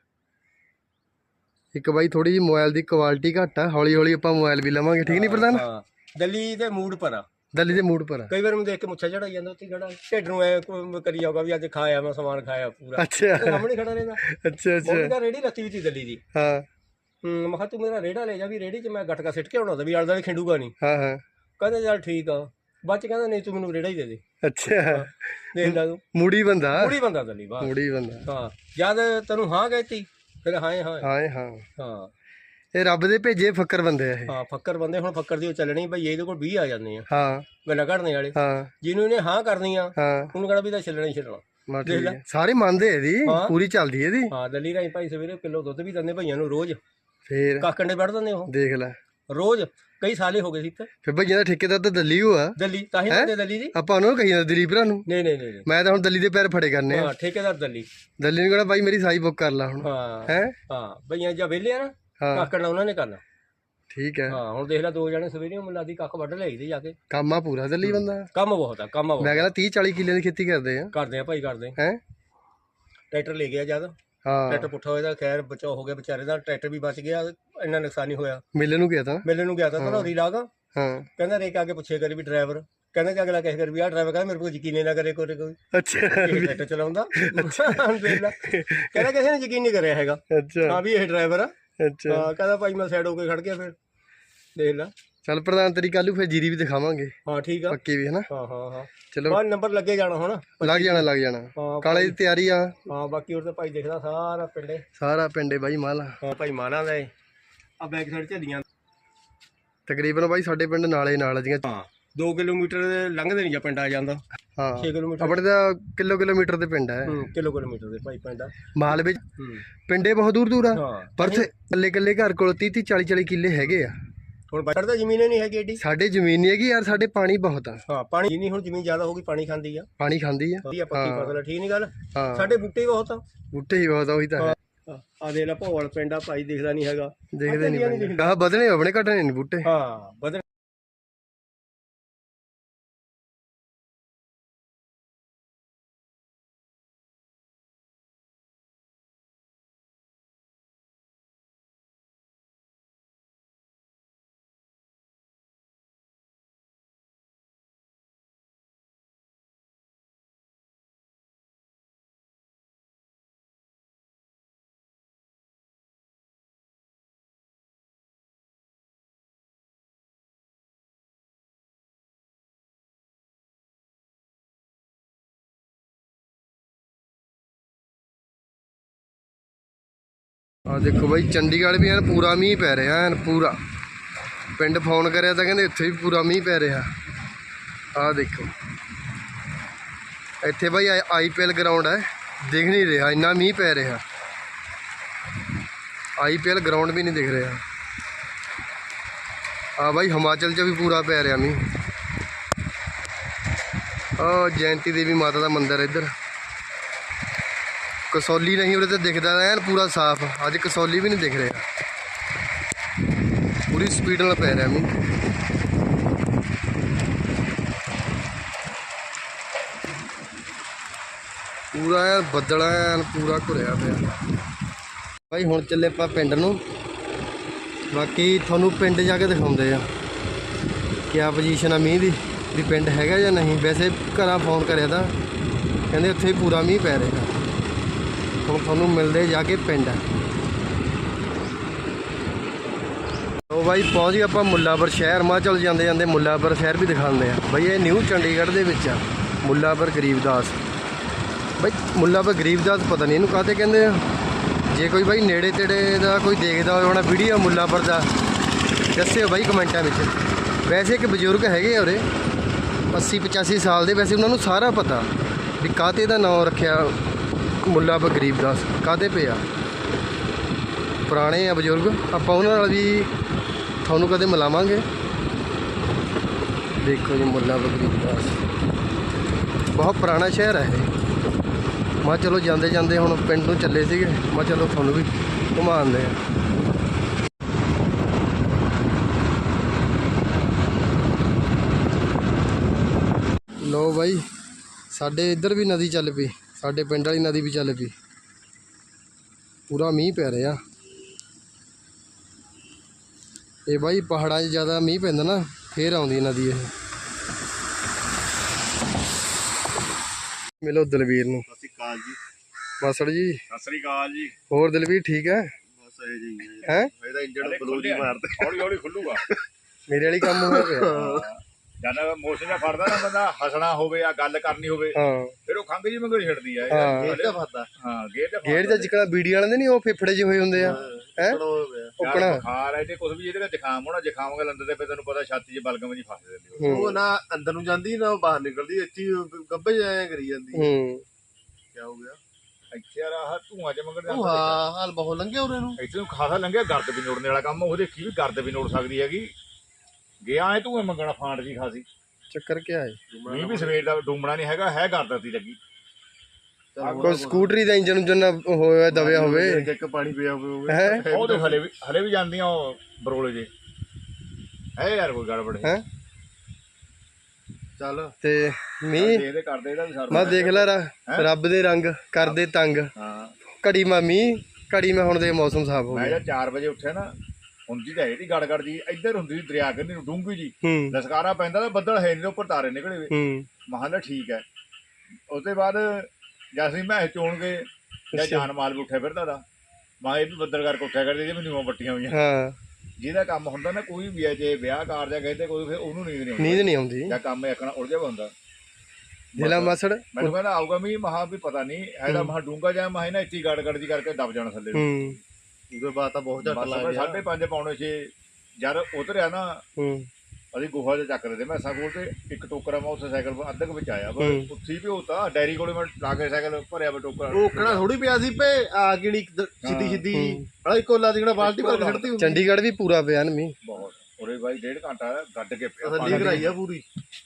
[SPEAKER 1] ਇੱਕ ਬਾਈ ਥੋੜੀ ਜਿਹੀ ਮੋਬਾਈਲ ਦੀ ਕੁਆਲਿਟੀ ਘੱਟ ਆ, ਹੌਲੀ ਹੌਲੀ ਆਪਾਂ ਮੋਬਾਈਲ ਵੀ ਲਵਾਂਗੇ, ਠੀਕ ਨਹੀਂ ਪ੍ਰਧਾਨ?
[SPEAKER 2] ਹਾਂ ਦਿੱਲੀ ਦੇ ਮੂਡ ਪਰ ਆ।
[SPEAKER 1] ਦੱਲੀ ਦੇ ਮੂਡ ਪਰ ਆ।
[SPEAKER 2] ਕਈ ਵਾਰ ਮੈਨੂੰ ਦੇਖ ਕੇ ਮੁੱਛਾ ਚੜਾਈ ਜਾਂਦਾ ਉੱਥੇ ਖੜਾ, ਢਿੱਡ ਨੂੰ ਐ ਕਰੀ ਜਾਊਗਾ ਵੀ ਅੱਜ ਖਾਇਆ ਮੈਂ ਸਮਾਨ ਖਾਇਆ ਪੂਰਾ।
[SPEAKER 1] ਅੱਛਾ
[SPEAKER 2] ਸਾਹਮਣੇ ਖੜਾ ਰਹਿੰਦਾ।
[SPEAKER 1] ਅੱਛਾ ਅੱਛਾ
[SPEAKER 2] ਉਹਦਾ ਰੇੜੀ ਲੱਤੀ ਵੀ ਸੀ ਦਿੱਲੀ ਦੀ।
[SPEAKER 1] ਹਾਂ
[SPEAKER 2] ਮੈਂ ਕਿਹਾ ਤੂੰ ਮੇਰਾ ਰੇੜਾ ਲੈ ਜਾ ਵੀ ਰੇੜੀ 'ਚ ਮੈਂ ਗਟਕਾ ਸਿੱਟ ਕੇ ਆਉਣਾ ਤਾਂ ਵੀ ਆਲੇ ਦੁਆਲੇ ਖਿੰਡੂਗਾ ਨਹੀਂ।
[SPEAKER 1] ਹਾਂ ਹਾਂ
[SPEAKER 2] ਕਹਿੰਦਾ ਚੱਲ ਠੀਕ ਆ। ਬਾਅਦ 'ਚ ਕਹਿੰਦਾ ਨਹੀਂ ਤੂੰ ਮੈਨੂੰ ਰੇੜਾ ਹੀ ਦੇ ਦੇ।
[SPEAKER 1] ਅੱਛਾ
[SPEAKER 2] ਦੇਖ ਲਾ ਤੂੰ
[SPEAKER 1] ਮੂੜੀ ਬੰਦਾ,
[SPEAKER 2] ਪੂਰੀ ਬੰਦਾ ਦਿੱਲੀ ਬਾਹਰ।
[SPEAKER 1] ਮੂੜੀ ਬੰਦਾ।
[SPEAKER 2] ਹਾਂ ਜਦ ਤੈਨੂੰ ਹਾਂ ਕਹਿਤੀ ਫਿਰ ਹਾਂ ਹਾਂ
[SPEAKER 1] ਹਾਂ ਹਾਂ
[SPEAKER 2] ਹਾਂ।
[SPEAKER 1] ਇਹ ਰੱਬ ਦੇ ਭੇਜੇ ਫੱਕਰ ਬੰਦੇ ਆ ਇਹ।
[SPEAKER 2] ਹਾਂ ਫੱਕਰ ਬੰਦੇ। ਹੁਣ ਫੱਕਰ ਦੀ ਉਹ ਚੱਲਣੀ ਭਈ ਇਹਦੇ ਕੋਲ 20 ਆ ਜਾਂਦੇ ਆ
[SPEAKER 1] ਹਾਂ
[SPEAKER 2] ਗੱਲਾਂ ਘੜਨੇ ਵਾਲੇ।
[SPEAKER 1] ਹਾਂ
[SPEAKER 2] ਜਿਹਨੂੰ ਇਹਨੇ ਹਾਂ ਕਰਨੀ ਆ
[SPEAKER 1] ਹਾਂ
[SPEAKER 2] ਉਹਨੂੰ ਕਹਿਣਾ ਵੀ ਤਾਂ ਛੱਲਣਾ ਹੀ ਛੱਲਣਾ।
[SPEAKER 1] ਮਾ ਠੀਕ ਹੈ, ਸਾਰੇ ਮੰਨਦੇ ਇਹਦੀ,
[SPEAKER 2] ਹਾਂ।
[SPEAKER 1] ਪੂਰੀ ਚੱਲਦੀ ਇਹਦੀ।
[SPEAKER 2] ਹਾਂ ਦਿੱਲੀ ਰਾਈ ਭਾਈ ਸਵੇਰੇ ਕਿਲੋ ਦੁੱਧ ਵੀ ਦਿੰਦੇ ਭਈਆਂ ਨੂੰ ਰੋਜ਼।
[SPEAKER 1] ਫੇਰ
[SPEAKER 2] ਕਾਕਣ ਦੇ ਵੱਢ ਦਿੰਦੇ ਉਹ
[SPEAKER 1] ਦੇਖ ਲੈ,
[SPEAKER 2] ਰੋਜ਼, ਕਈ ਸਾਲੇ ਹੋ ਗਏ ਸੀ ਇੱਥੇ।
[SPEAKER 1] ਫਿਰ ਭਈਆਂ ਦਾ ਠੇਕੇਦਾਰ ਤਾਂ ਦਿੱਲੀ ਹੋਆ,
[SPEAKER 2] ਦਿੱਲੀ ਤਾਂ ਹੀ ਹੁੰਦੇ ਦਿੱਲੀ ਜੀ।
[SPEAKER 1] ਆਪਾਂ ਉਹਨੂੰ ਕਹੀ ਜਾਂਦੇ ਦਿੱਲੀ ਭਰਾ ਨੂੰ।
[SPEAKER 2] ਨਹੀਂ ਨਹੀਂ ਨਹੀਂ
[SPEAKER 1] ਮੈਂ ਤਾਂ ਹੁਣ ਦਿੱਲੀ ਦੇ ਪੈਰ ਫੜੇ ਕਰਨੇ ਆ।
[SPEAKER 2] ਹਾਂ ਠੇਕੇਦਾਰ ਦਿੱਲੀ।
[SPEAKER 1] ਦਿੱਲੀ ਨੂੰ ਕਹਿਣਾ ਬਾਈ ਮੇਰੀ ਸਾਈ ਬੁੱਕ ਕਰ ਲਾ ਹੁਣ।
[SPEAKER 2] ਹਾਂ
[SPEAKER 1] ਹੈ
[SPEAKER 2] ਹਾਂ ਭਈਆਂ ਜਾਂ ਵਿਹਲੇ ਆ ਨਾ,
[SPEAKER 1] ਹਾਂ
[SPEAKER 2] ਕਾਕਣ ਨਾਲ ਉਹਨਾਂ ਨੇ ਕਰਨਾ।
[SPEAKER 1] ਠੀਕ ਹੈ,
[SPEAKER 2] ਹਾਂ ਹੁਣ ਦੇਖ ਲੈ 2 ਜਣੇ ਸਵੇਰੇ ਮੁੱਲਾ ਦੀ ਕੱਖ ਵੱਢ ਲਿਆਈਦੇ ਜਾ ਕੇ।
[SPEAKER 1] ਕੰਮ ਆ ਪੂਰਾ ਦਿੱਲੀ ਬੰਦਾ।
[SPEAKER 2] ਕੰਮ ਬਹੁਤ ਆ, ਕੰਮ ਬਹੁਤ
[SPEAKER 1] ਮੈਂ ਕਹਿੰਦਾ 30-40 ਕਿੱਲੇ ਦੀ ਖੇਤੀ ਕਰਦੇ ਆ।
[SPEAKER 2] ਕਰਦੇ ਆ ਭਾਈ, ਕਰਦੇ।
[SPEAKER 1] ਹੈ
[SPEAKER 2] ਟਰੈਕਟਰ ਲੈ ਗਿਆ ਜਦ,
[SPEAKER 1] ਹਾਂ
[SPEAKER 2] ਟਰੈਕਟਰ ਪੁੱਠਾ ਹੋਇਆ ਤਾਂ ਖੈਰ ਬਚਾਅ ਹੋ ਗਿਆ ਵਿਚਾਰੇ ਦਾ, ਟਰੈਕਟਰ ਵੀ ਬਚ ਗਿਆ, ਇੰਨਾ ਨੁਕਸਾਨ ਨਹੀਂ ਹੋਇਆ।
[SPEAKER 1] ਮੇਲੇ ਨੂੰ ਗਿਆ ਤਾਂ।
[SPEAKER 2] ਮੇਲੇ ਨੂੰ ਗਿਆ ਤਾਂ ਧਨੌਰੀ ਲਾਗਾ,
[SPEAKER 1] ਹਾਂ
[SPEAKER 2] ਕਹਿੰਦਾ ਰੇਕ ਆ ਕੇ ਪੁੱਛੇ ਕਰੀ ਵੀ ਡਰਾਈਵਰ, ਕਹਿੰਦਾ ਕਿ ਅਗਲਾ ਕਹੇ ਕਰ ਵੀ ਆਹ ਡਰਾਈਵਰ ਕਹਿੰਦਾ ਮੇਰੇ ਕੋਲ ਯਕੀਨ ਹੀ ਨਾ ਕਰੇ ਕੋਈ
[SPEAKER 1] ਅੱਛਾ
[SPEAKER 2] ਟਰੈਕਟਰ ਚਲਾਉਂਦਾ। ਦੇਖ ਲੈ, ਕਹਿੰਦਾ ਕਿਸੇ ਨੇ ਯਕੀਨ ਨਹੀਂ ਕਰਿਆ ਹੈਗਾ
[SPEAKER 1] ਅੱਛਾ
[SPEAKER 2] ਹਾਂ ਵੀ ਇਹ ਡਰਾਈਵਰ ਆ।
[SPEAKER 1] ਅੱਛਾ
[SPEAKER 2] ਹਾਂ ਕਹਿੰਦਾ ਭਾਈ ਮੈਂ ਸਾਈਡ ਹੋ ਕੇ ਖੜ ਗਿਆ, ਫਿਰ ਦੇਖ ਲੈ।
[SPEAKER 1] ਚੱਲ ਪ੍ਰਧਾਨ ਤੇਰੀ ਕੱਲ ਨੂੰ ਫਿਰ ਜੀਰੀ ਵੀ ਦਿਖਾਵਾਂਗੇ
[SPEAKER 2] ਹਾਂ ਠੀਕ ਆ,
[SPEAKER 1] ਪੱਕੀ ਵੀ, ਹਨਾ।
[SPEAKER 2] ਹਾਂ ਹਾਂ ਹਾਂ
[SPEAKER 1] ਚਲੋ
[SPEAKER 2] ਬਾਅਦ ਨੰਬਰ ਲੱਗੇ ਜਾਣਾ ਹੁਣ।
[SPEAKER 1] ਲੱਗ ਜਾਣਾ
[SPEAKER 2] ਹਾਂ
[SPEAKER 1] ਕਾਲੇ ਦੀ ਤਿਆਰੀ ਆ।
[SPEAKER 2] ਹਾਂ ਬਾਕੀ ਹੋਰ ਤਾਂ ਭਾਈ ਦੇਖਦਾ ਸਾਰਾ ਪਿੰਡੇ।
[SPEAKER 1] ਸਾਰਾ ਪਿੰਡੇ ਬਾਈ ਮਾਲਾ।
[SPEAKER 2] ਹਾਂ ਭਾਈ ਮਾਨਾ ਦਾ ਆ ਬੈਕ ਸਾਈਡ ਝੱਲੀਆਂ
[SPEAKER 1] ਤਕਰੀਬਨ ਬਾਈ ਸਾਡੇ ਪਿੰਡ ਨਾਲੇ ਨਾਲ ਦੀਆਂ।
[SPEAKER 2] ਹਾਂ 2 ਕਿਲੋਮੀਟਰ ਲੰਘਦੇ ਨਹੀਂ ਜਾਂ ਪਿੰਡ ਆ ਜਾਂਦਾ।
[SPEAKER 1] ਹਾਂ
[SPEAKER 2] 6 ਕਿਲੋਮੀਟਰ
[SPEAKER 1] ਆਪਣੇ ਤਾਂ ਕਿਲੋਮੀਟਰ ਦੇ ਪਿੰਡ ਹੈ।
[SPEAKER 2] ਕਿਲੋਮੀਟਰ ਦੇ ਭਾਈ ਪਿੰਡ ਆ।
[SPEAKER 1] ਮਾਲ ਵਿੱਚ ਪਿੰਡੇ ਬਹੁਤ ਦੂਰ ਦੂਰ ਆ,
[SPEAKER 2] ਹਾਂ
[SPEAKER 1] ਪਰ ਕੱਲੇ ਘਰ ਕੋਲ 30-40 ਕਿੱਲੇ ਹੈਗੇ ਆ।
[SPEAKER 2] ਹੁਣ ਬਾਹਰ ਤਾਂ ਜ਼ਮੀਨ ਨਹੀਂ ਹੈਗੀ ਏਡੀ।
[SPEAKER 1] ਸਾਡੇ ਜ਼ਮੀਨ ਨਹੀਂ ਹੈਗੀ ਯਾਰ, ਸਾਡੇ ਪਾਣੀ ਬਹੁਤ ਆ।
[SPEAKER 2] ਹਾਂ ਪਾਣੀ ਨਹੀਂ, ਹੁਣ ਜ਼ਮੀਨ ਜ਼ਿਆਦਾ ਹੋ ਗਈ, ਪਾਣੀ ਖਾਂਦੀ ਆ,
[SPEAKER 1] ਪਾਣੀ ਖਾਂਦੀ ਆ।
[SPEAKER 2] ਵਧੀਆ ਪੱਕੀ ਫਸਲ ਆ, ਠੀਕ ਨਹੀਂ ਗੱਲ।
[SPEAKER 1] ਹਾਂ
[SPEAKER 2] ਸਾਡੇ ਬੂਟੇ ਹੀ ਬਹੁਤ ਆ,
[SPEAKER 1] ਬੂਟੇ ਹੀ ਬਹੁਤ ਆ, ਉਹੀ ਤਾਂ ਹੈ।
[SPEAKER 2] ਆ ਦੇ ਲੈ ਭੋਲ ਪਿੰਡ ਆ ਭਾਈ, ਦਿਖਦਾ ਨਹੀਂ ਹੈਗਾ,
[SPEAKER 1] ਦੇਖਦੇ ਨਹੀਂ ਆਹ ਵਧਣੇ ਆਪਣੇ ਘਟਣੇ ਨਹੀਂ ਬੂਟੇ।
[SPEAKER 2] ਹਾਂ ਬਦਲ
[SPEAKER 1] ਆ ਦੇਖੋ ਬਾਈ ਚੰਡੀਗੜ੍ਹ ਵੀ ਐਨ ਪੂਰਾ ਮੀਂਹ ਪੈ ਰਿਹਾ, ਐਨ ਪੂਰਾ। ਪਿੰਡ ਫੋਨ ਕਰਿਆ ਤਾਂ ਕਹਿੰਦੇ ਇੱਥੇ ਵੀ ਪੂਰਾ ਮੀਂਹ ਪੈ ਰਿਹਾ। ਆਹ ਦੇਖੋ ਇੱਥੇ ਬਾਈ IPL ਗਰਾਊਂਡ ਹੈ, ਦਿਖ ਨਹੀਂ ਰਿਹਾ, ਇੰਨਾ ਮੀਂਹ ਪੈ ਰਿਹਾ। IPL ਗਰਾਊਂਡ ਵੀ ਨਹੀਂ ਦਿਖ ਰਿਹਾ। ਆ ਬਾਈ ਹਿਮਾਚਲ 'ਚ ਵੀ ਪੂਰਾ ਪੈ ਰਿਹਾ ਮੀਂਹ। ਆ ਜੈਂਤੀ ਦੇਵੀ ਮਾਤਾ ਦਾ ਮੰਦਿਰ ਇੱਧਰ। ਕਸੌਲੀ ਨਹੀਂ ਉਰੇ ਤੇ ਦਿਖਦਾ ਐਨ ਪੂਰਾ ਸਾਫ਼, ਅੱਜ ਕਸੌਲੀ ਵੀ ਨਹੀਂ ਦਿਖ ਰਿਹਾ। ਪੂਰੀ ਸਪੀਡ ਨਾਲ ਪੈ ਰਿਹਾ ਮੀਂਹ। ਪੂਰਾ ਐਨ ਬੱਦਲ ਐਨ ਪੂਰਾ ਘੁਰਿਆ ਪਿਆ। ਭਾਈ ਹੁਣ ਚੱਲੇ ਆਪਾਂ ਪਿੰਡ ਨੂੰ, ਬਾਕੀ ਤੁਹਾਨੂੰ ਪਿੰਡ ਜਾ ਕੇ ਦਿਖਾਉਂਦੇ ਆ ਕਿਆ ਪੋਜੀਸ਼ਨ ਆ ਮੀਂਹ ਦੀ, ਵੀ ਪਿੰਡ ਹੈਗਾ ਜਾਂ ਨਹੀਂ। ਵੈਸੇ ਘਰਾਂ ਫੋਨ ਕਰਿਆ ਤਾਂ ਕਹਿੰਦੇ ਉੱਥੇ ਵੀ ਪੂਰਾ ਮੀਂਹ ਪੈ ਰਿਹਾ। ਹੁਣ ਤੁਹਾਨੂੰ ਮਿਲਦੇ ਜਾ ਕੇ ਪਿੰਡ। ਉਹ ਬਾਈ ਪਹੁੰਚ ਗਏ ਆਪਾਂ ਮੁੱਲਾਪੁਰ ਸ਼ਹਿਰ। ਮਾ ਚੱਲ ਜਾਂਦੇ ਜਾਂਦੇ ਮੁੱਲਾਪੁਰ ਸ਼ਹਿਰ ਵੀ ਦਿਖਾਉਂਦੇ ਆ। ਬਾਈ ਇਹ ਨਿਊ ਚੰਡੀਗੜ੍ਹ ਦੇ ਵਿੱਚ ਆ ਮੁੱਲਾਪੁਰ ਗਰੀਬਦਾਸ। ਬਾਈ ਮੁੱਲਾਪੁਰ ਗਰੀਬਦਾਸ ਪਤਾ ਨਹੀਂ ਇਹਨੂੰ ਕਾਹਤੇ ਕਹਿੰਦੇ ਆ। ਜੇ ਕੋਈ ਬਾਈ ਨੇੜੇ ਤੇੜੇ ਦਾ ਕੋਈ ਦੇਖਦਾ ਹੋਵੇ ਹੋਣਾ ਵੀਡੀਓ ਮੁੱਲਾਪੁਰ ਦਾ, ਦੱਸਿਓ ਬਾਈ ਕਮੈਂਟਾਂ ਵਿੱਚ। ਵੈਸੇ ਇੱਕ ਬਜ਼ੁਰਗ ਹੈਗੇ ਆ ਉਰੇ 80-85 ਸਾਲ ਦੇ, ਵੈਸੇ ਉਹਨਾਂ ਨੂੰ ਸਾਰਾ ਪਤਾ ਵੀ ਕਾਹਤੇ ਦਾ ਨਾਮ ਰੱਖਿਆ ਮੁੱਲਾਪੁਰ ਗਰੀਬਦਾਸ, ਕਾਹਤੇ ਪਿਆ। ਪੁਰਾਣੇ ਆ ਬਜ਼ੁਰਗ, ਆਪਾਂ ਉਹਨਾਂ ਨਾਲ ਵੀ ਤੁਹਾਨੂੰ ਕਦੇ ਮਿਲਾਵਾਂਗੇ। ਦੇਖੋ ਜੀ ਮੁੱਲਾਪੁਰ ਗਰੀਬਦਾਸ ਬਹੁਤ ਪੁਰਾਣਾ ਸ਼ਹਿਰ ਹੈ ਇਹ। ਮੈਂ ਚਲੋ ਜਾਂਦੇ ਜਾਂਦੇ ਹੁਣ ਪਿੰਡ ਨੂੰ ਚੱਲੇ ਸੀਗੇ, ਮੈਂ ਚਲੋ ਤੁਹਾਨੂੰ ਵੀ ਘੁਮਾਉਂਦੇ ਆ। ਲੋ ਬਾਈ ਸਾਡੇ ਇੱਧਰ ਵੀ ਨਦੀ ਚੱਲ ਪਈ, ਸਾਡੇ ਪਿੰਡ ਵਾਲੀ ਨਦੀ ਵੀ ਚੱਲ ਪਈ। ਪੂਰਾ ਮੀਂਹ ਪੈ ਰਿਹਾ। ਇਹ ਬਾਈ ਪਹਾੜਾਂ 'ਚ ਜ਼ਿਆਦਾ ਮੀਂਹ ਪੈਂਦਾ ਨਾ, ਫੇਰ ਆਉਂਦੀ ਨਦੀ ਇਹ। ਮਿਲੋ ਦਲਵੀਰ ਨੂੰ।
[SPEAKER 5] ਸਤਿ ਸ਼੍ਰੀ ਅਕਾਲ ਜੀ।
[SPEAKER 1] ਮਾਸੜ ਜੀ
[SPEAKER 5] ਸਤਿ ਸ਼੍ਰੀ ਅਕਾਲ ਜੀ।
[SPEAKER 1] ਹੋਰ ਦਲਵੀਰ ਠੀਕ ਹੈ?
[SPEAKER 5] ਬਸ ਇਹ ਜੀ
[SPEAKER 1] ਹੈ
[SPEAKER 5] ਇਹਦਾ ਇੰਜਣ ਬਲੂਜ ਮਾਰਦੇ,
[SPEAKER 4] ਹੌਲੀ ਹੌਲੀ ਖੁੱਲੂਗਾ।
[SPEAKER 1] ਮੇਰੇ ਵਾਲੀ ਕੰਮ ਹੋਇਆ ਪਿਆ।
[SPEAKER 4] ਜਦ ਮੋਸ਼ਨ ਦਾ ਫੜਦਾ ਨਾ ਬੰਦਾ, ਹੱਸਣਾ ਹੋਵੇ ਜਾਂ ਗੱਲ ਕਰਨੀ ਹੋਵੇ,
[SPEAKER 1] ਹਾਂ
[SPEAKER 4] ਫਿਰ ਉਹ ਖੰਘ ਜੀ ਮੰਗੋ ਛੱਡਦੀ ਆ।
[SPEAKER 1] ਹਾਂ
[SPEAKER 5] ਇਹਦਾ ਫਾਦਾ
[SPEAKER 4] ਹਾਂ ਗੇਟ ਤੇ
[SPEAKER 1] ਗੇੜ ਦਾ ਜਿਕਣਾ ਬੀੜੀ ਵਾਲੇ ਦੇ ਨਹੀਂ ਉਹ ਫੇਫੜੇ ਜਿਹੇ ਹੋਏ ਹੁੰਦੇ ਆ, ਹੈ
[SPEAKER 4] ਉਪਣਾ ਬੁਖਾਰ ਹੈ ਤੇ ਕੁਝ ਵੀ ਇਹਦੇ ਨਾਲ ਜ਼ੁਕਾਮ ਹੋਣਾ, ਜ਼ੁਕਾਮ ਕੇ ਲੰਦੇ ਤੇ ਫਿਰ ਤੈਨੂੰ ਪਤਾ ਛਾਤੀ 'ਚ ਬਲਗਮ ਜੀ ਫਸ ਜਾਂਦੀ।
[SPEAKER 5] ਉਹ ਨਾ ਅੰਦਰ ਨੂੰ ਜਾਂਦੀ ਨਾ ਬਾਹਰ ਨਿਕਲਦੀ, ਇੱਥੇ ਗੱਭੇ ਜਾਇਆ ਕਰੀ ਜਾਂਦੀ।
[SPEAKER 1] ਹੂੰ
[SPEAKER 5] ਕੀ ਹੋ ਗਿਆ?
[SPEAKER 6] ਇੱਥੇ ਯਾਰ ਆਹ ਧੂਆਂ ਚ ਮੰਗਣ
[SPEAKER 5] ਉਹ ਹਾਂ ਹਾਲ ਬਹੁਤ ਲੰਘਿਆ ਉਰੇ ਨੂੰ।
[SPEAKER 6] ਇੱਥੇ ਨੂੰ ਖਾਸਾ ਲੰਘਿਆ ਗਰਦ ਵੀ ਨੋੜਨੇ ਵਾਲਾ ਕੰਮ ਉਹ ਦੇਖੀ ਵੀ ਗਰਦ ਵੀ ਨੋੜ ਸਕਦੀ ਹੈਗੀ ਗਿਆ ਐ ਧੂਏ ਮੰਗਣਾ ਫਾਂਟ ਜੀ ਖਾਸੀ
[SPEAKER 1] ਚੱਕਰ ਕੀ ਹੈ
[SPEAKER 6] ਮੀਂਹ ਵੀ ਸਵੇਰ ਦਾ ਡੂਮਣਾ ਨਹੀਂ ਹੈਗਾ ਹੈ ਗਰਦ ਦੀ ਲੱਗੀ
[SPEAKER 1] ਕੋਈ ਸਕੂਟਰੀ ਦਾ ਇੰਜਨ ਉਂਜਨ ਨਾ ਹੋਇਆ ਦਬਿਆ ਹੋਵੇ
[SPEAKER 5] ਇੱਕ ਪਾਣੀ ਪਿਆ ਹੋਵੇ
[SPEAKER 1] ਹੈ
[SPEAKER 6] ਉਹ ਤੇ ਹਲੇ ਵੀ ਜਾਂਦੀਆਂ ਉਹ ਬਰੋਲੇ ਜੇ ਹੈ ਯਾਰ ਕੋਈ ਗੜਬੜ
[SPEAKER 1] ਹੈ
[SPEAKER 5] ਚੱਲ
[SPEAKER 1] ਤੇ ਮੀਂਹ
[SPEAKER 6] ਦੇਖਦੇ ਕਰਦੇ ਇਹਦਾ ਵੀ ਸਰ
[SPEAKER 1] ਮੈਂ ਦੇਖ ਲੈ ਰੱਬ ਦੇ ਰੰਗ ਕਰਦੇ ਤੰਗ
[SPEAKER 6] ਹਾਂ
[SPEAKER 1] ਘੜੀ ਮੈਂ ਮੀਂਹ ਘੜੀ ਮੈਂ ਹੁਣ ਦੇ ਮੌਸਮ ਸਾਫ ਹੋ
[SPEAKER 6] ਮੈਂ
[SPEAKER 1] ਗਿਆ
[SPEAKER 6] ਜਦ 4 ਵਜੇ ਉੱਠਿਆ ਨਾ ਹੁੰਦੀ ਤਾਂ ਇਹਦੀ ਗੜਗੜ ਜੀ ਇੱਧਰ ਹੁੰਦੀ ਸੀ ਦਰਿਆ ਕੰਨੀ ਨੂੰ ਡੂੰਘੀ ਜੀ
[SPEAKER 1] ਹੂੰ
[SPEAKER 6] ਲਸਕਾਰਾ ਪੈਂਦਾ ਤਾਂ ਬੱਦਲ ਹੈ ਨਹੀਂ ਉੱਪਰ ਤਾਰੇ ਨਿਕਲੇ ਵੇ
[SPEAKER 1] ਹੂੰ
[SPEAKER 6] ਮਹਾਲਾ ਠੀਕ ਹੈ ਉਸ ਤੋਂ ਬਾਅਦ ਜਦ ਅਸੀਂ ਮੈਂ ਚੋਣ ਗਏ ਜਾਂ ਜਾਨ ਮਾਲ ਵੀ ਉੱਠਿਆ ਫਿਰਦਾ ਦਾ ਮਾਂ ਇਹ ਵੀ ਬੱਦਲ ਕਰਕੇ ਉੱਠਿਆ ਕਰਦੇ ਜੇ ਮੈਨੂੰ ਬੱਟੀਆਂ ਹੋਈਆਂ
[SPEAKER 1] ਹਾਂ
[SPEAKER 6] ਜਿਹਦਾ ਕੰਮ ਹੁੰਦਾ ਨਾ ਕੋਈ ਵੀ ਹੈ ਜੇ ਵਿਆਹ ਕਾਰ ਜਾਂ ਕਹਿੰਦੇ ਕੋਈ ਫਿਰ ਉਹਨੂੰ ਨੀਂਦ ਨਹੀਂ ਆਉਂਦੀ
[SPEAKER 1] ਨੀਂਦ ਨਹੀਂ ਆਉਂਦੀ
[SPEAKER 6] ਜਾਂ ਕੰਮ ਆਖਣਾ ਉਲਝਿਆ ਵਾ ਹੁੰਦਾ
[SPEAKER 1] ਦਿਲਾ ਮਸੜ
[SPEAKER 6] ਮੈਨੂੰ ਕਹਿੰਦਾ ਆਊਗਾ ਮੀਂਹ ਮਹਾ ਵੀ ਪਤਾ ਨਹੀਂ ਇਹਦਾ ਮਹਾ ਡੂੰਗਾ ਜਾਂ ਮਹਾ ਨਾ ਇੱਥੇ ਗੜਗੜ ਜੀ ਕਰਕੇ ਦਬ ਜਾਣਾ ਥੱਲੇ ਨੂੰ।
[SPEAKER 1] ਹੂੰ
[SPEAKER 5] ਉਹਦੇ ਬਾਅਦ ਤਾਂ ਬਹੁਤ ਝੱਟ
[SPEAKER 6] ਬਸ
[SPEAKER 5] ਲੱਗ
[SPEAKER 6] ਮੈਂ
[SPEAKER 5] ਗਿਆ
[SPEAKER 6] 5:30 ਪੌਣੇ 6 ਜਦ ਉਤਰਿਆ ਨਾ
[SPEAKER 1] ਹੂੰ
[SPEAKER 6] ਅਸੀਂ ਗੁਫਾ 'ਚ ਚੱਕ ਰਹੇ ਤੇ ਮੈਸਾਂ ਕੋਲ ਤੇ ਇੱਕ ਟੋਕਰਾ ਮੈਂ ਉੱਥੇ ਸਾਈਕਲ ਅੱਧਕ ਵਿੱਚ ਆਇਆ ਪਰ
[SPEAKER 1] ਹੂੰ।
[SPEAKER 6] ਉੱਥੀ ਵੀ ਹੋਤਾ ਡੈਰੀ ਕੋਲੇ ਮੈਂ ਲਾ ਕੇ ਸਾਈਕਲ ਭਰਿਆ ਵਾ ਟੋਕਰਾ
[SPEAKER 5] ਉਹ ਕਿਹੜਾ ਥੋੜੀ ਪਿਆ ਸੀ ਪੇ ਆ ਕਿਹੜੀ ਸਿੱਧੀ ਸਿੱਧੀ ਹਲਾ ਇੱਕੋ ਲਾ ਦੀ ਕਿਹੜਾ ਬਾਲਟੀ ਭਰ ਕੇ ਛੱਡਤੀ ਹੁੰਦੀ
[SPEAKER 1] ਚੰਡੀਗੜ੍ਹ ਵੀ ਪੂਰਾ ਪਿਆ ਨਾ ਮੀਂਹ
[SPEAKER 6] ਬਹੁਤ ਉਰੇ ਬਾਈ 1.5 ਘੰਟਾ ਗੱਡ ਕੇ ਪਿਆ
[SPEAKER 5] ਤਸੱਲੀ ਕਰਾਈ ਆ ਪੂਰੀ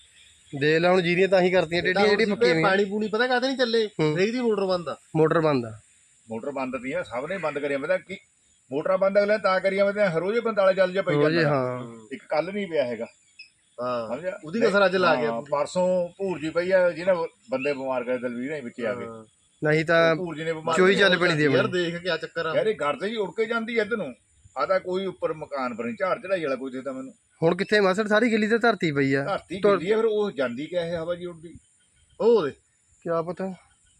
[SPEAKER 1] ਦੇ ਲੈ ਹੁਣ ਜੀਰੀਆਂ ਤਾਂ ਹੀ ਕਰਤੀਆਂ ਟੇਡੀਆਂ ਜਿਹੜੀ ਪੱਕੀਆਂ ਹੋਈਆਂ
[SPEAKER 5] ਪਾਣੀ ਪੂਣੀ ਪਤਾ ਕਾਹਦੇ ਨਹੀਂ ਚੱਲੇ ਰੇਕ ਦੀ ਮੋਟਰ ਬੰਦ ਆ
[SPEAKER 1] ਮੋਟਰ ਬੰਦ ਆ
[SPEAKER 6] ਮੋਟਰ ਬੰਦ ਤੀਆਂ ਸਭ ਨੇ ਬੰਦ ਕਰਿਆ ਮੈਂ ਕਿ ਮੋਟਰਾਂ ਬੰਦ ਅਗਲੇ ਤਾਂ ਕਰੀਆਂ ਮੈਂ ਹਰੋਜੇ 45 ਚੱਲ ਜਾ ਪਈ
[SPEAKER 1] ਰੋਜ਼
[SPEAKER 6] ਜਾਂਦਾ
[SPEAKER 1] ਹਾਂ
[SPEAKER 6] ਇੱਕ ਕੱਲ ਨਹੀਂ ਪਿਆ ਹੈਗਾ
[SPEAKER 5] ਹਾਂ
[SPEAKER 6] ਸਮਝਿਆ
[SPEAKER 5] ਉਹਦੀ ਕਸਰ ਅੱਜ ਲਾ ਗਿਆ
[SPEAKER 6] ਹਾਂ, ਪਰਸੋਂ ਭੂਰ ਜੀ ਪਈ ਆ ਜਿਹਨੇ ਬੰਦੇ ਬਿਮਾਰ ਕਰੇ ਦਲਵੀਰ ਨੇ ਵਿੱਚ ਆ ਕੇ
[SPEAKER 1] ਨਹੀਂ ਤਾਂ
[SPEAKER 6] ਭੂਰ ਜੀ ਨੇ ਬਿਮਾਰ
[SPEAKER 1] ਚੋਈ ਚੱਲ ਪੈਣੀ ਦੀ
[SPEAKER 5] ਯਾਰ
[SPEAKER 1] ਆਪਣੀ
[SPEAKER 5] ਦੇਖ ਕਿਆ ਚੱਕਰ ਆ
[SPEAKER 6] ਯਾਰ ਇਹ ਘਰ ਤੇ ਹੀ ਉੜ ਕੇ ਜਾਂਦੀ ਐ ਇੱਧਰ ਨੂੰ ਆ ਤਾਂ ਕੋਈ ਉੱਪਰ ਮਕਾਨ ਪਰ ਨਹੀਂ ਝਾੜ ਚੜਾਈ ਵਾਲਾ ਕੋਈ ਦੇਤਾ ਮੈਨੂੰ
[SPEAKER 1] ਹੁਣ ਕਿੱਥੇ ਮਸੜ ਸਾਰੀ ਗਿੱਲੀ ਤੇ ਧਰਤੀ ਪਈ ਆ
[SPEAKER 6] ਧਰਤੀ ਗਿੱਲੀ ਆ ਫਿਰ ਉਹ ਜਾਂਦੀ ਕਿਆ ਇਹ ਹਵਾ ਜੀ ਉੱਡਦੀ
[SPEAKER 5] ਉਹ ਦੇ
[SPEAKER 1] ਕਿਆ ਪਤਾ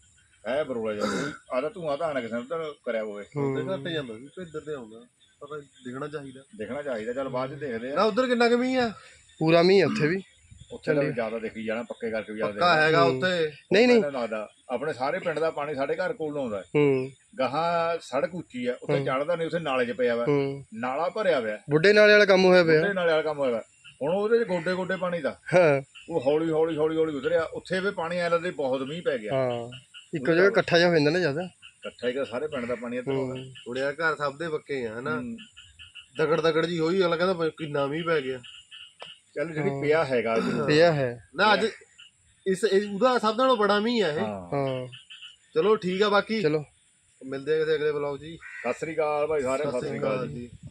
[SPEAKER 6] ਐ ਬਰੋਲਾ ਜਾ ਕੋਈ ਆਦਾ ਧੂਆਂ ਤਾਂ ਨਾ ਕਿਸੇ ਨੂੰ ਤਾਂ ਕਰਿਆ ਹੋਵੇ
[SPEAKER 5] ਉਹਦੇ ਘਰ ਤੇ ਜਾਂਦਾ ਸੀ ਤੇ ਇੱਧਰ ਤੇ ਆਉਂਦਾ ਪਤਾ ਦਿਖਣਾ ਚਾਹੀਦਾ
[SPEAKER 6] ਦੇਖਣਾ ਚਾਹੀਦਾ ਚੱਲ ਬਾਅਦ ਚ ਦੇਖਦੇ
[SPEAKER 5] ਨਾ
[SPEAKER 6] ਆ
[SPEAKER 5] ਉਧਰ ਕਿੰਨਾ ਕਮੀ ਆ
[SPEAKER 1] ਪੂਰਾ ਮੀਂਹ ਆ ਉੱਥੇ ਵੀ
[SPEAKER 6] ਉੱਥੇ ਤਾਂ ਜ਼ਿਆਦਾ ਦੇਖੀ ਜਾਣਾ ਪੱਕੇ ਕਰਕੇ ਵੀ ਜ਼ਿਆਦਾ
[SPEAKER 5] ਪੱਕਾ ਹੈਗਾ ਉੱਥੇ
[SPEAKER 1] ਨਹੀਂ ਨਹੀਂ
[SPEAKER 6] ਮੈਨੂੰ ਲੱਗਦਾ ਆਪਣੇ ਸਾਰੇ ਪਿੰਡ ਦਾ ਪਾਣੀ ਸਾਡੇ ਘਰ ਕੋਲ ਨੂੰ ਆਉਂਦਾ
[SPEAKER 1] ਹੂੰ
[SPEAKER 6] ਗਾਹਾਂ ਸੜਕ ਉੱਚੀ ਆ ਉੱਥੇ ਚੜਦਾ ਨਹੀਂ ਉੱਥੇ ਨਾਲੇ 'ਚ ਪਿਆ ਵਾ
[SPEAKER 1] ਹੂੰ
[SPEAKER 6] ਨਾਲਾ ਭਰਿਆ ਹੋਇਆ
[SPEAKER 1] ਬੁੱਢੇ ਨਾਲੇ ਵਾਲਾ ਕੰਮ ਹੋਇਆ ਪਿਆ
[SPEAKER 6] ਉਹਦੇ ਨਾਲੇ ਵਾਲਾ ਕੰਮ ਹੋਇਆ ਵਾ ਹੁਣ ਉਹਦੇ 'ਚ ਗੋਡੇ ਗੋਡੇ ਪਾਣੀ ਦਾ
[SPEAKER 1] ਹਾਂ
[SPEAKER 6] ਉਹ ਹੌਲੀ ਹੌਲੀ ਹੌਲੀ ਹੌਲੀ ਉਤਰਿਆ ਉੱਥੇ ਵੀ ਪਾਣੀ ਆਇਆ ਲੱਗਦਾ ਬਹੁਤ ਮੀਂਹ ਪੈ ਗਿਆ
[SPEAKER 1] ਹਾਂ ਇੱਕੋ ਜਗ੍ਹਾ ਇਕੱਠਾ ਜਿਹਾ ਹੋ ਜਾਂਦਾ ਨਾ ਜ਼ਿਆਦਾ
[SPEAKER 6] ਇਕੱਠਾ ਹੀ ਸਾਰੇ ਪਿੰਡ ਦਾ ਪਾਣੀ ਇੱਧਰ ਆਉਂਦਾ
[SPEAKER 5] ਉੜਿਆ ਘਰ ਸਭ ਦੇ ਪੱਕੇ ਆ ਹਨਾ
[SPEAKER 6] ਹੂੰ।
[SPEAKER 5] ਦਗੜ ਦਗੜ ਜੀ ਹੋਈ ਅਗਲਾ ਕਹਿੰਦਾ ਕਿੰਨਾ ਮੀਂਹ ਪੈ ਗਿਆ
[SPEAKER 6] ਚੱਲ ਜਿਹੜੀ ਪਿਆ ਹੈਗਾ
[SPEAKER 1] ਪਿਆ ਹੈ
[SPEAKER 5] ਨਾ ਅੱਜ ਉਹਦਾ ਸਭ ਨਾਲੋਂ ਬੜਾ ਮੀਂਹ ਆ ਇਹ
[SPEAKER 6] ਹਾਂ
[SPEAKER 1] ਹਾਂ
[SPEAKER 5] ਚਲੋ ਠੀਕ ਆ ਬਾਕੀ
[SPEAKER 1] ਚਲੋ
[SPEAKER 5] ਮਿਲਦੇ ਆ ਕਿਸੇ ਅਗਲੇ ਬਲੌਗ ਜੀ
[SPEAKER 6] ਸਤਿ ਸ੍ਰੀ ਅਕਾਲ ਭਾਈ ਸਾਰੇ
[SPEAKER 5] ਸਤਿ ਸ੍ਰੀ ਅਕਾਲ ਜੀ